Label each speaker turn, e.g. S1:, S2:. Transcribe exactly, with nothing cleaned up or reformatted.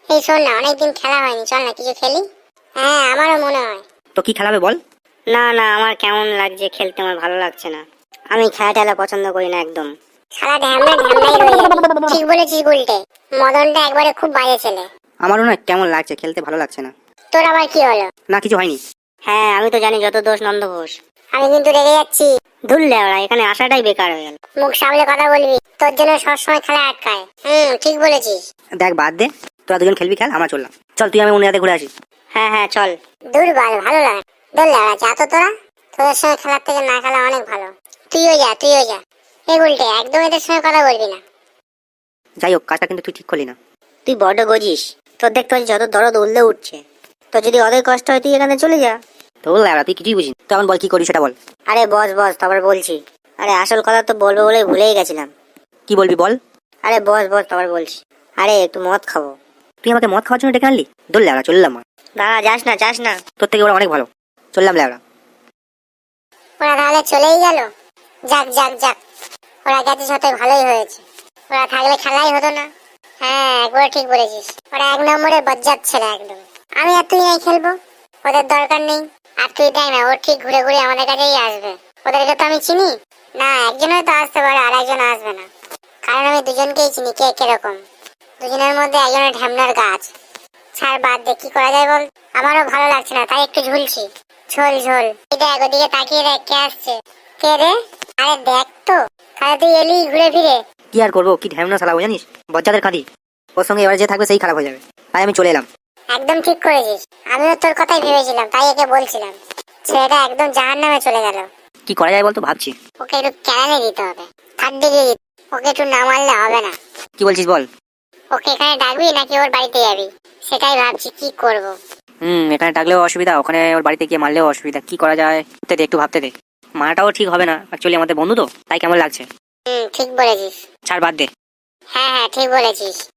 S1: এই শোন না, অনেকদিন খেলা হয়নি, চল না কিছু খেলি। হ্যাঁ আমারও মনে হয়।
S2: তো কি খেলাবে বল?
S3: না না, আমার কেমন লাগছে খেলতে, আমার ভালো লাগছে না। আমি খেলা টেলা পছন্দ করি না একদম।
S1: সারা ঢ্যামনা ঢ্যামনাই রয়ে যাবে। ঠিক বলেছিস উল্টে, মদনটা একবারে খুব বাজে ছেলে।
S2: আমারও না কেমন লাগছে, খেলতে ভালো লাগছে না।
S1: তোর আবার কি হলো?
S2: না কিছু হয়নি।
S3: হ্যাঁ আমি তো জানি যত দোষ নন্দ ঘোষ।
S1: আমি কিন্তু রেগে যাচ্ছি।
S3: ধুললে ওরা এখানে আসাটাই বেকার হয়ে গেল।
S1: মুখ সামলে কথা বলবি, তোর জন্য সবসময় খেলা আটকায়। হুম ঠিক বলেছিস।
S2: দেখ বাদ দে, তোরা দুজন খেলবি খেল, আমরা চললাম। চল তুই আমি উনি ঘুরে আসি।
S3: হ্যাঁ হ্যাঁ চল।
S1: দুর্বল ভালো লাগে। দোল লাগা যা তো তোরা, তোদের সঙ্গে খেলার থেকে না খেলা অনেক ভালো। তুইও যা তুইও যা। এই উল্টে একদম এদের সঙ্গে কথা বলবি না।
S2: যাই হোক, কাজটা কিন্তু তুই ঠিক করলি না।
S3: তুই বড্ড গজিস, তোর দেখতে পাচ্ছি যত দরদ উল্লে উঠছে। তো যদি অদের কষ্ট হয় তুই এখানে চলে যা।
S2: তো ল্যাবড়া তুই কিছুই বুঝিস, তুই এখন বল কি করি সেটা বল।
S3: আরে বস বস, তারপর বলছি। আরে আসল কথা তো বলবো বলে ভুলেই গেছিলাম।
S2: কি বলবি বল।
S3: আরে বস বস, তারপর বলছি। আরে একটু মদ খাবো।
S2: তুই আমাকে মদ খাওয়ার জন্য ডেকে আনলি? দোল ল্যাবড়া চললাম।
S3: দাঁড়া, যাস না যাস না।
S2: তোর থেকে ওরা অনেক ভালো, চললাম ল্যাবড়া।
S1: ওরা তাহলে চলেই গেল। যাক যাক যাক, ওরা গেছে সাথে ভালোই হয়েছে। ওরা থাকলে খেলাই হতো না। হ্যাঁ একবার ঠিক বলেছিস, ওরা এক নম্বরের বজ্জাত ছেলে একদম। আমি আর তুই নাই খেলবো, ওদের দরকার নেই। আর তুই দেখ না, ও ঠিক ঘুরে ঘুরে আমাদের কাছেই আসবে। ওদেরকে তো আমি চিনি না, একজন হয়তো আসতে পারে আর একজন আসবে না, কারণ আমি দুজনকেই চিনি কে কিরকম। দুজনের মধ্যে একজনের ঢ্যামনার গাছ। ছাড় বাদ দে, কি করা যায় বল। আমারও ভালো লাগছে না, তাই একটু ঝুলছি। ঝোল ঝোল। দেখ ওদিকে তাকিয়ে দেখ কে আসছে। কে রে? আরে দেখ তো, তাহলে তুই এলি ঘুরে ফিরে।
S2: কি আর করবো, কি ঢ্যামনা শালা জানিস, বজ্জাদের কাঁদি। ওর সঙ্গে এবার যে থাকবে সেই খারাপ হয়ে যাবে, তাই আমি চলে এলাম।
S1: একদম ঠিক করেছিস, আমিও তোর কথাই ভেবেছিলাম, তাই একে বলছিলাম। ছেলেটা একদম জাহান নামে চলে গেল।
S2: কি করা যায় বলতো ভাবছি।
S1: ওকে একটু ক্যারানে দিতে হবে, থার্ড ডিগ্রি দিতে। ওকে একটু না মারলে হবে না।
S2: কি বলছিস বল।
S1: ওকে এখানে ডাকবি নাকি ওর বাড়িতে যাবি, সেটাই ভাবছি কি করব।
S2: হুম এখানে ডাকলেও অসুবিধা, ওখানে ওর বাড়িতে গিয়ে মারলেও অসুবিধা। কি করা যায় ভাবতে দে, একটু ভাবতে দে। মারাটাও ঠিক হবে না, অ্যাকচুয়ালি আমাদের বন্ধু তো, তাই কেমন লাগছে।
S1: হুম ঠিক বলেছিস।
S2: ছাড় বাদ দে।
S1: হ্যাঁ হ্যাঁ ঠিক বলেছিস।